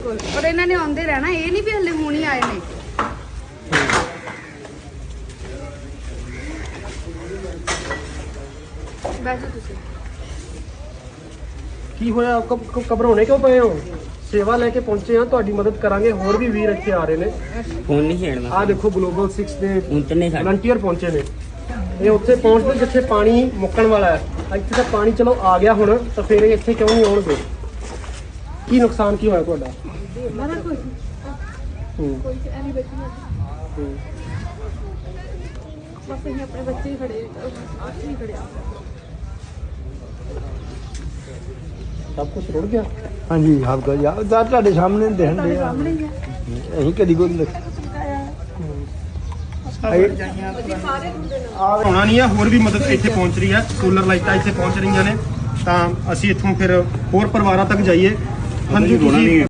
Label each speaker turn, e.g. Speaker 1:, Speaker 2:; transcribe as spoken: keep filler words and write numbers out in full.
Speaker 1: ਪਰ ਇਹਨਾਂ ਨੇ ਆਉਂਦੇ ਰਹਿਣਾ, ਇਹ ਨਹੀਂ ਵੀ ਹਲੇ ਹੁਣ ਹੀ ਆਏ ਨੇ। ਬੈਠੋ ਤੁਸੀਂ।
Speaker 2: ਕੀ ਹੋਇਆ? ਘਬਰਾਉਣੇ ਕਿਉਂ ਪਏ ਹੋ? ਸੇਵਾ ਲੈ ਕੇ ਪਹੁੰਚੇ ਆ, ਤੁਹਾਡੀ ਮਦਦ ਕਰਾਂਗੇ। ਹੋਰ ਵੀ ਵੀਰ ਇੱਥੇ ਆ ਰਹੇ ਨੇ।
Speaker 3: ਫੋਨ ਨਹੀਂ ਛੇੜਨਾ।
Speaker 2: ਆਹ ਦੇਖੋ ਗਲੋਬਲ ਸਿਕਸ ਦੇ
Speaker 3: ਉਤਨੇ ਸਾਡੇ
Speaker 2: ਵਲੰਟੀਅਰ ਪਹੁੰਚੇ ਨੇ। ਇਹ ਉੱਥੇ ਪਹੁੰਚਦੇ ਜਿੱਥੇ ਪਾਣੀ ਮੁੱਕਣ ਵਾਲਾ ਹੈ। ਇੱਥੇ ਤਾਂ ਪਾਣੀ ਚਲੋ ਆ ਗਿਆ ਹੁਣ, ਤਾਂ ਫਿਰ ਇਹ ਇੱਥੇ ਕਿਉਂ ਨਹੀਂ ਆਉਣਗੇ? ਕੀ ਨੁਕਸਾਨ ਕੀ ਹੋਇਆ ਤੁਹਾਡਾ?
Speaker 1: ਮਾਰਾ ਕੋਈ
Speaker 2: ਹੂੰ
Speaker 1: ਕੋਈ ਐਨੀ ਬੈਠੀ ਨਾ,
Speaker 2: ਹੂੰ
Speaker 1: ਬਸ ਅਸੀਂ ਆਪਣੇ ਬੱਚੇ ਹੀ ਖੜੇ ਆਹ ਨਹੀਂ ਖੜਿਆ।
Speaker 2: ਸਭ ਕੁਝ ਰੁੜ ਗਿਆ।
Speaker 4: ਹਾਂਜੀ ਸਭ ਕੁਝ ਯਾਰ ਤੁਹਾਡੇ ਸਾਹਮਣੇ ਦਿਖਣ
Speaker 1: ਤੁਹਾਡੇ
Speaker 4: ਦੇ ਆ।
Speaker 1: ਸਾਹਮਣੇ ਹੀ ਹੈ।
Speaker 4: ਅਸੀਂ ਕਦੀ ਕੋਈ ਨਹੀਂ
Speaker 2: ਆਉਣਾ ਨਹੀਂ ਆ। ਹੋਰ ਵੀ ਮਦਦ ਇੱਥੇ ਪਹੁੰਚ ਰਹੀ ਹੈ। ਸੋਲਰ ਲਾਈਟਾਂ ਇੱਥੇ ਪਹੁੰਚ ਰਹੀਆਂ ਨੇ, ਤਾਂ ਅਸੀਂ ਇੱਥੋਂ ਫਿਰ ਹੋਰ ਪਰਿਵਾਰਾਂ ਤੱਕ ਜਾਈਏ। ਹਾਂਜੀ ਤੁਸੀਂ